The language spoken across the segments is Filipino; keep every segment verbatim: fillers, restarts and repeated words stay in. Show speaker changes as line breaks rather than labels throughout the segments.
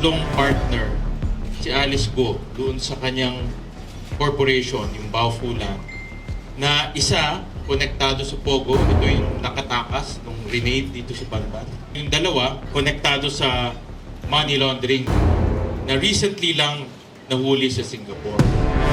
tatlong partner si Alice Go doon sa kanyang corporation, yung Baofulan, na isa konektado sa Pogo, ito yung nakatakas nung renade dito sa Banban. Yung dalawa, konektado sa money laundering na recently lang nahuli sa Singapore.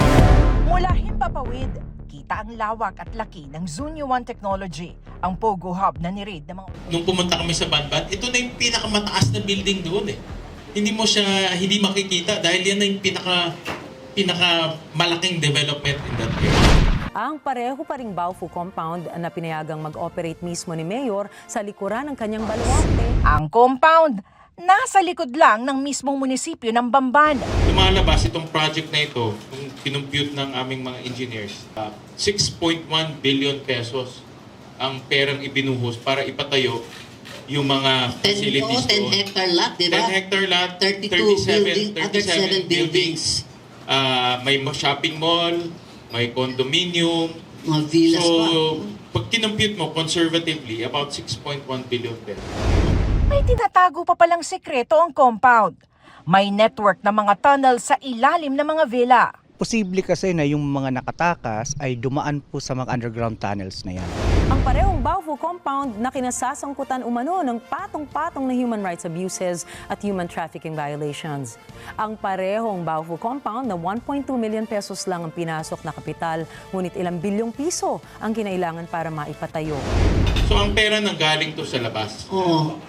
Mula Himpapawid, kita ang lawak at laki ng Zunyo One Technology, ang Pogo Hub na ni-raid ng mga...
Nung pumunta kami sa Banban, ito na yung pinakamataas na building doon eh. Hindi mo siya, hindi makikita dahil yan na yung pinaka, pinaka malaking development in that area.
Ang pareho pa ring Baofu compound na pinayagang mag-operate mismo ni Mayor sa likuran ng kanyang baluarte.
Ang compound, nasa likod lang ng mismong munisipyo ng Bamban.
Lumalabas itong project na ito, kung kinumpute ng aming mga engineers, uh, six point one billion pesos ang perang ibinuhos para ipatayo yung mga facilities
ten
doon.
hectare lot, di ba?
ten hectare lot,
thirty-two
thirty-seven,
building, other
thirty-seven
seven buildings.
Uh, may shopping mall, may condominium.
Mga villas
so,
pa.
pag kinumpute mo conservatively, about six point one billion pesos.
May tinatago pa palang sekreto ang compound. May network na mga tunnel sa ilalim ng mga villa.
Posible kasi na yung mga nakatakas ay dumaan po sa mga underground tunnels na yan.
Ang parehong Baofu compound na kinasasangkutan umano ng patong-patong na human rights abuses at human trafficking violations. Ang parehong Baofu compound na one point two million pesos lang ang pinasok na kapital, ngunit ilang bilyong piso ang kinailangan para maipatayo.
So ang pera nanggaling to sa labas.
Oo.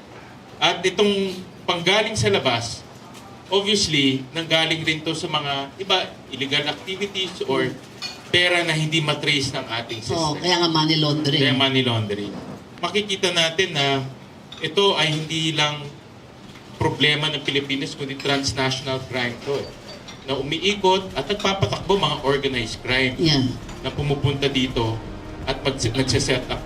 At itong panggaling sa labas, obviously, nanggaling rin to sa mga iba illegal activities or pera na hindi matrace ng ating system.
Oo, kaya nga money laundering.
Kaya money laundering. Makikita natin na ito ay hindi lang problema ng Pilipinas, kundi transnational crime to. Eh, na umiikot at nagpapatakbo mga organized crime
Yan.
na pumupunta dito at pag nagsiset up